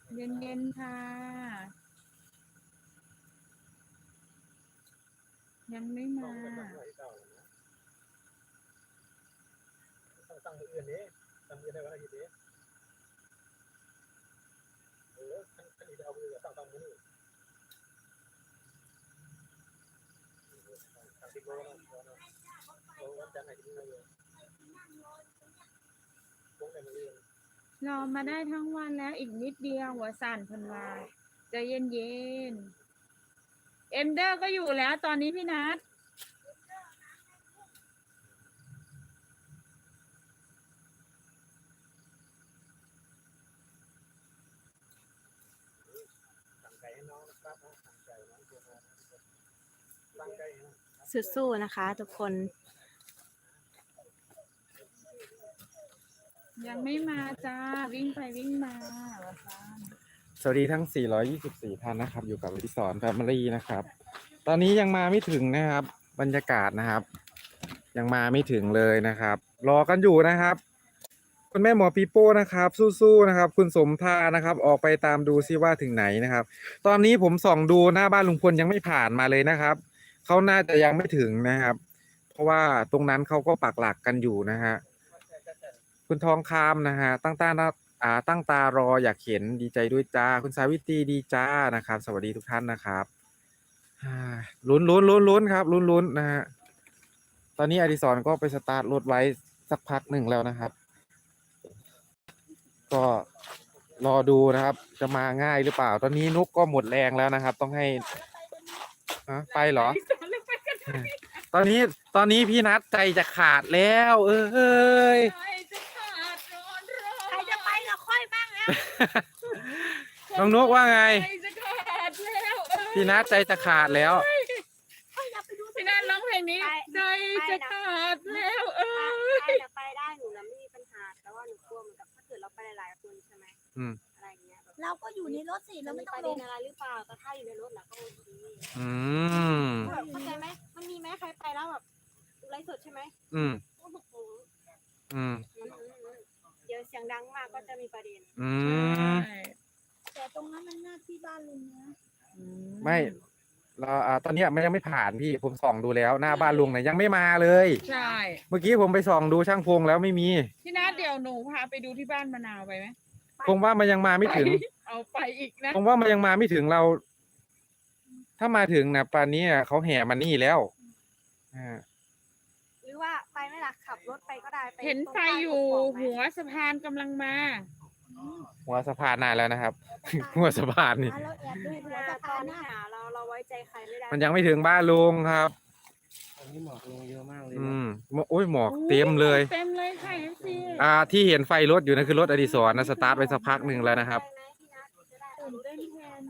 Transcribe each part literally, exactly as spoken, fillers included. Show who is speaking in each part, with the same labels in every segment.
Speaker 1: เย็นๆค่ะยังไม่มา
Speaker 2: ตั้งมืออื่นนี้ตั้งมือได้วันอาทิตย์นี้เออขันขันนี้เอามือตั้งตั้งมือนี่ตั้งที่โก้นะโก้วันจันทร์ไหนที่นี่เลยโก้ในมืออื่น
Speaker 1: รอมาได้ทั้งวันแล้วอีกนิดเดียวหัวสั่นพันวาใจเย็นๆเอ็มเดอร์ก็อยู่แล้วตอนนี้พี่นัท
Speaker 2: ตั้งใจให้น้องนะครับตั้งใจน้องตัวน้องตั้งใจนะ
Speaker 3: สู้ๆนะคะทุกคน
Speaker 1: ยังไม่มาจ้าวิ่งไปวิ่งมาหัวสั่น
Speaker 4: สวัสดีทั้งสี่ร้อยยี่สิบสี่ท่านนะครับอยู่กับอดิศรแฟมิลี่นะครับตอนนี้ยังมาไม่ถึงนะครับบรรยากาศนะครับยังมาไม่ถึงเลยนะครับรอกันอยู่นะครับคุณแม่หมอปีโป้นะครับสู้ๆนะครับคุณสมทานะครับออกไปตามดูซิว่าถึงไหนนะครับตอนนี้ผมส่องดูหน้าบ้านลุงพลยังไม่ผ่านมาเลยนะครับเขาน่าจะยังไม่ถึงนะครับเพราะว่าตรงนั้นเขาก็ปักหลักกันอยู่นะฮะคุณทองคำนะฮะตั้งตาอ่าตั้งตารออยากเห็นดีใจด้วยจ้าคุณสาวิตรีดีจ้านะครับสวัสดีทุกท่านนะครับลุ้นลุ้นลุ้นลุ้นครับลุ้นลุ้นนะฮะตอนนี้อดิศรก็ไปสตาร์ทรถไว้สักพักหนึ่งแล้วนะครับก็รอดูนะครับจะมาง่ายหรือเปล่าตอนนี้นุกก็หมดแรงแล้วนะครับต้องให้ฮะไปเหรอตอนนี้ตอนนี้พี่นัทใจจะขาดแล้วเอ้ย
Speaker 3: ใครจะไปกับค่อยบ้างแล้ว
Speaker 4: น้องนุกว่าไง
Speaker 1: ใจจะขาดแล้ว
Speaker 4: พี่นัทใจจะขาดแล้ว
Speaker 1: พี่นัทร้องเพลงนี้ใจจะขาดแล้วเออ
Speaker 3: ไปจะไปได้หนูนะไม่มีปัญหาแต่ว่าหนูกลัวเหมือนกับถ้าเกิดเราไปหลายๆคนใช่ไหม
Speaker 4: อืม
Speaker 3: อะไรเงี้ยเราก็อยู่ในรถสิเราไม่ต้องลงอะไรหรือเปล่าแต่ถ้าอยู่ในรถเราก็โอเค
Speaker 4: อืม
Speaker 3: เข้าใจไหมมันมีไหมใครไปแล้วแบบไลฟ์สดใช่ไหม
Speaker 4: อืม
Speaker 3: โอ้โห
Speaker 4: อืม
Speaker 3: เดี๋ยวเสียงดังมากก็จะมีประเด็น
Speaker 4: อืม
Speaker 3: แต่ตรงนั้นมันหน้าที่บ้านลุงนะ
Speaker 4: ไม่เราอ่าตอนเนี้ยมันยังไม่ผ่านพี่ผมส่องดูแล้วหน้าบ้านลุงเนี่ยยังไม่มาเลย
Speaker 1: ใช่
Speaker 4: เมื่อกี้ผมไปส่องดูช่างพงแล้วไม่มี
Speaker 1: พี่นัทเดี๋ยวหนูพาไปดูที่บ้านมะนาวไปไหม
Speaker 4: ผมว่ามันยังมาไม่ถึง
Speaker 1: เอาไปอีกนะ
Speaker 4: ผมว่ามันยังมาไม่ถึงเรา ถ้ามาถึงนะป่านนี้อ่ะเขาแห่มานี่แล้วอ่า
Speaker 3: หรือว่าไปไม่ล่ะขับรถไปก็ได้ไป
Speaker 1: เห็นไฟอยู่หัวสะพานกำลังมา
Speaker 4: หัวสะพานนานแล้วนะครับ หัวสะพานนี่
Speaker 3: เราแอบดูหัวสะพานนะเราเราไว้ใจใครไม่ได้
Speaker 4: มันยังไม่ถึงบ้านลุงครับ
Speaker 2: ตอนนี้หมอกลงเยอะมากเลย
Speaker 4: อืมโอ้ยหมอกเต็มเลย
Speaker 1: เต็มเลยค่ะเอฟซี
Speaker 4: อ่าที่เห็นไฟรถอยู่นั่นคือรถอดิศรนะสตาร์ทไปสักพักหนึ่งแล้วนะครับ
Speaker 3: ตื่นเต้นแทน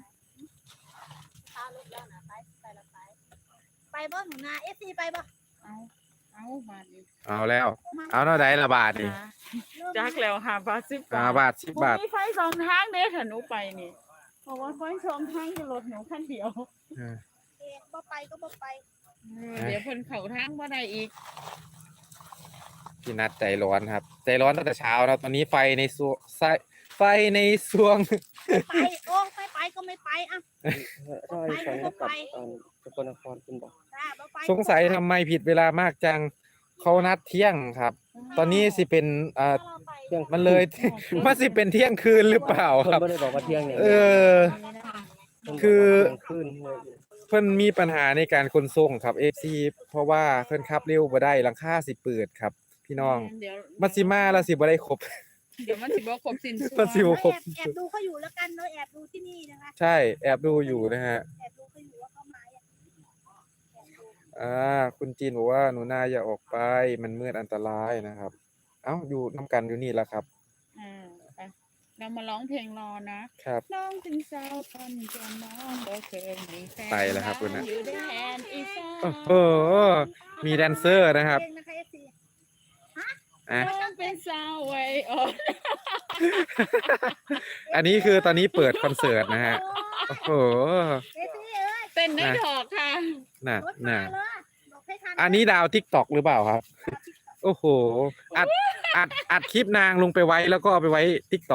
Speaker 3: ไปบ่หนูนาเอฟซีไปบ่
Speaker 1: เอาเอาบาทนี้
Speaker 4: เอาแล้ว เอาเท่าไหร่ละบาทนี่
Speaker 1: จักแล้วค่ะบาทสิบ
Speaker 4: อ่า
Speaker 1: บาท
Speaker 4: บาทสิบบาท
Speaker 1: มีไฟสองทางเด้ค่ะหนูไปนี่เพราะว่าไฟสองทางจะรถหนูคันเดียว
Speaker 4: เออ
Speaker 3: เอ๊ะบ่ไปก็บ่ไป
Speaker 1: เออเดี๋ยวเพิ่นเข่าทางบ่ได้อีก
Speaker 4: พี่นัดใจร้อนครับ ใจร้อนตั้งแต่เช้าแล้วตอนนี้ไฟในซวงไฟไฟในซวง
Speaker 3: ไปโอ้ไม่ไปก็ไม่ไปอ่ะ
Speaker 2: ถ้าไอ้ฝันก็กลับสกลนครคุณบอก
Speaker 3: จ้าบ่ไป
Speaker 4: สงสัยทำไมผิดเวลามากจังเขานัดเที่ยงครับ ตอนนี้สิเป็นอ่า
Speaker 2: เที่ยง
Speaker 4: มันเลย มันสิเป็นเที่ยงคืนหรือเปล่า
Speaker 2: คน
Speaker 4: ครับ
Speaker 2: ไม่ได้บอกว่าเที่ยงอย่าง
Speaker 4: เอ
Speaker 2: เดียว
Speaker 4: อ คือ
Speaker 2: ขึ้น
Speaker 4: เพิ่นมีปัญหาในการขนส่งครับ เอฟ ซี เพราะว่าเพิ่นขับเร็วบ่ได้หลังคาสิเปิดครับ พี่น้อง
Speaker 1: เดี๋ยว
Speaker 4: มันสิมาแล้วสิบ่ได้ครบ
Speaker 1: เดี๋ยวมันสิบ่ครบสิ้นสุด
Speaker 4: มันสิบ่
Speaker 3: แอบแอบดูเขาอยู่แล้วกันเนาะแอบดูที่นี่นะคะ
Speaker 4: ใช่แอบดูอยู่นะฮะ
Speaker 3: แอบดูเขาอยู่ว่าเขามาอย่าง
Speaker 4: อ่าคุณจีนบอกว่าหนูนาอย่าออกไปมันมืดอันตรายนะครับ เอ้าอยู่น้ำกันอยู่นี่แหละครับ
Speaker 1: อ่าไปเรามาร้องเพลงรอนะครับ น้องถึงสาวพันจนน้องบ่เคยมีแฟน
Speaker 4: ไปแล้วครับคุณน่ะ
Speaker 1: อยู่แดนอีสาน
Speaker 4: โอ้โหมีแดนเซอร์นะครับ
Speaker 3: เองนะคะเอฟซี
Speaker 4: อ่ะ
Speaker 1: น้องเป็นสาวไว้อ่อน
Speaker 4: อันนี้คือตอนนี้เปิดคอนเสิร์ตนะฮะโอ้โห
Speaker 3: เอฟซีเอ้ย
Speaker 1: เต้นได้ดอกค่ะ
Speaker 4: น่ะ
Speaker 3: รถมา
Speaker 4: น่ะ
Speaker 3: เลยบอกให้ทัน
Speaker 4: อันนี้ดาวทิกตอกหรือเปล่าครับ โอ้โหอัดอัดอัดคลิปนางลงไปไว้แล้วก็เอาไปไว้ทิกตอก